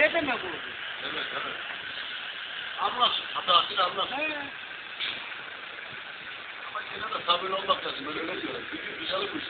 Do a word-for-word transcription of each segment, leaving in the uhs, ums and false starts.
Ne demek bu? Evet, evet. Anlasın, hatasını anlasın. He. Ama yine de sabırlı olmak lazım, öyle öyle diyorlar. Gücü dışarı bu işte.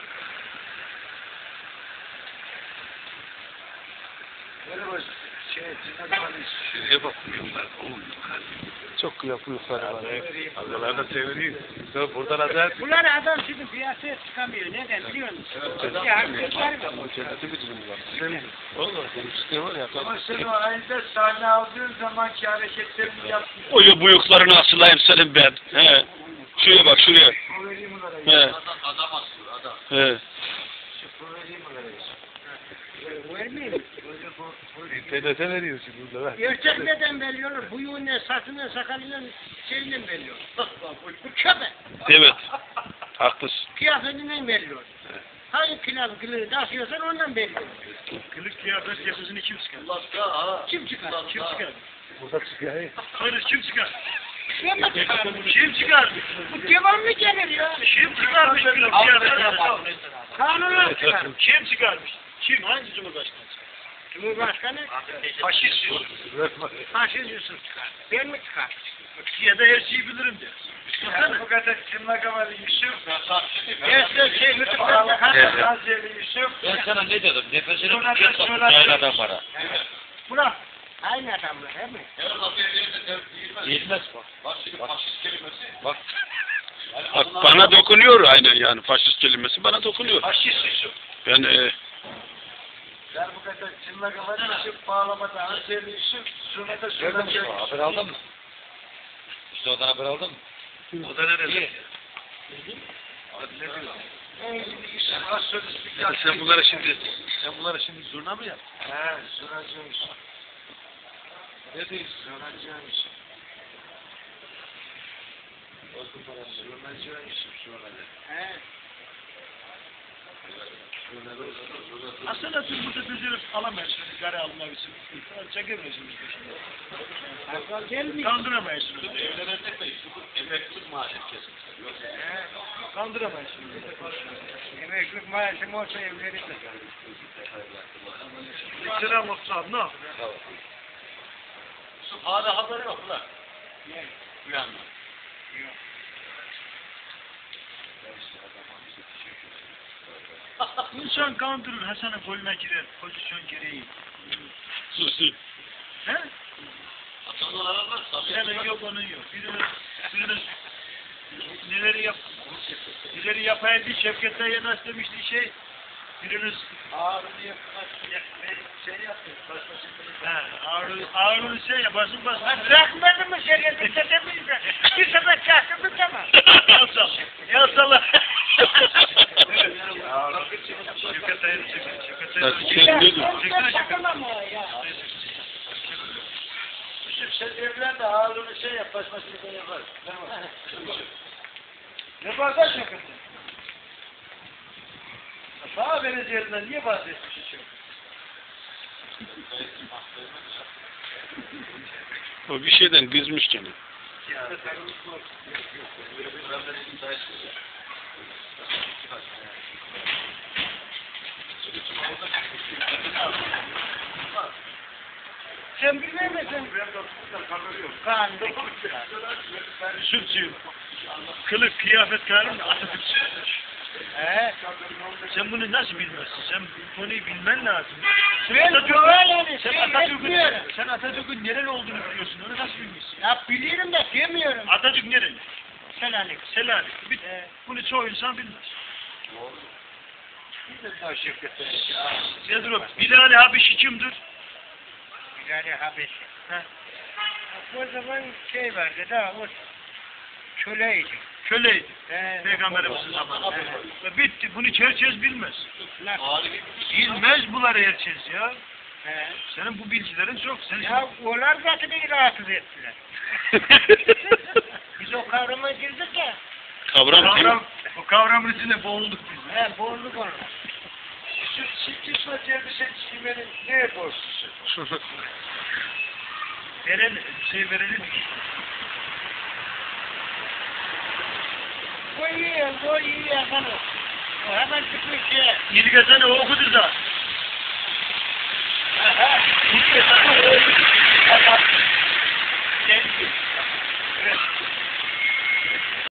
Merhaba, şey, Cennet Halis. Şuraya bak, uyumlar, uyumlar. Çok yapıyorlar var. Adalar da seviniyor. Sonra buradan azar. Bunlar adam şimdi piyasaya çıkamıyor. Neden biliyor musun? Evet, Ya hareketler var. Cenneti bir dilim var. Sen oğlum demişti var ya. Ama sen o halde sahne aldığın zamanki hareketlerini yaptın. O bıyıklarını asılayım senin ben. He. Şuraya bak şuraya. O vereyim onlara. He. Adam, adam asıyor, adam. He. O vereyim onlara. Vermeyeyim. İnternete veriyor şimdi burada. Ver. Erkek neden belli olur? Buyuğunla, saçından, sakalından, şeyinden belli olur. Bu köpek. Evet. Haklısın. Kıyafetinden belli olur. Hangi kıyafet kılığı taşıyorsan ondan belli olur. Kılık kıyafet yakasını kim çıkar? Allah ya, ha. Kim çıkar? Kim çıkar? Burada çıkıyor. Hayır kim çıkar? Kim çıkar? Kim çıkar? Bu devamlı gelir ya. Kim çıkarmış kılık kıyafet? Kanunlar çıkar. Kim çıkarmış? Kim? Hangi cumhurbaşkanı? Cumhurbaşkanı Faşist Yusuf. Faşist Yusuf çıkar. Ben mi çıkar? Ya da her şeyi bilirim diyor. Bu kadar tırnak havalı Yusuf. Gerçek şey YouTube'dan çıkar. Hazreti Yusuf. Ben sana ne dedim? Nefesini Sonra- tutacaksın. sonra- Yayladan para. Bırak. Aynı adamlar değil mi? Her kafaya verirse değilmez. Yetmez bak. Bak şimdi faşist kelimesi. Bak. Yani Bak adına- bana dokunuyor aynen yani faşist kelimesi bana dokunuyor. Faşist Yusuf. Ben e, Ben bu kadar tırnak havalı Yusuf bağlamada Hazreti Yusuf. Sonra da sonra haber aldın mı? İşte odan haber aldın mı? O da nerede? Ya sen bunlara şimdi sen bunlara şimdi zurna mı yap? He, zurnacı Yusuf. Ne diyorsun? Zurnacı Yusuf. Zurnacı Yusuf, zurnacı. He. Aslında siz burada düzülüp alamıyorsunuz, gari almak için. Çekemiyorsunuz peşinde. Akıl gelmiyor. Kandıramıyorsunuz. Evlenecek de emeklilik maaşı kesin. Kandıramıyorsunuz. Emeklilik maaşım olsa evlenirim. Selam olsun ne? Yusuf hala haberi yok ulan. Ne? Uyanma. İnsan kandırır, Hasan'ın koluna girer, pozisyon gereği. Susun. He? Atanlar aranlar. Senin yok, onun yok. Biriniz, biriniz neleri yap, neleri yapaydı, Şevket'ten yanaş demişti şey. Biriniz Ağrını yapmak, şey yapıyor. he, ağrı, ağrını şey yaparsın, basın. Ben bırakmadım mı şeriatı çekemeyeceğim. Bir sefer çaktım tamam. Yal sal, yal sal. Şevket'ten yanaş, Şevket'ten Ya yanaş. sen Ya, ne diyorsun? ben de takamam o ya. Yusuf sen evlen de ağrını şey yap, basmasını ben yaparım. Ne bardak Şevket'ten? Bana vereceğinden niye bahsetmiş hiç yok? O bir şeyden kızmış gene. Sen bilmez misin? Kandı. Yusuf'cuyum. Kılık, kıyafet kararım Atatürkçü. He. Sen bunu nasıl bilmezsin? Sen bu konuyu bilmen lazım. Sen Ben Atatürk'ün, böyle sen şey Atatürk'ün, etmiyorum. sen Atatürk'ün nereli olduğunu biliyorsun. Onu nasıl bilmiyorsun? Ya biliyorum da demiyorum. Atatürk nereli? Selanik. Selanik. Bir, He. bunu çoğu insan bilmez. Nedir o? Bilal-i Habeşi kimdir? Bilal-i Habeşi. He. O zaman şey vardı da o köleydi. Köleydi. He. Peygamberimizin zamanında. Ve bitti. Bunu herkes bilmez. Nasıl? Bilmez bunları herkes ya. He. Senin bu bilgilerin çok. Sen Ya onlar zaten beni rahatsız ettiler. Biz o kavrama girdik ya. Kavram değil mi? kavram, o kavramın içinde boğulduk biz. He boğulduk onu. Şu çıkışma elbise çizmenin neye borçlusun? Verelim, şey verelim. Bu iyi, bu iyi efendim. O hemen çıkmış şey. İlgazan'ı okudu da. Aha. Şey, evet.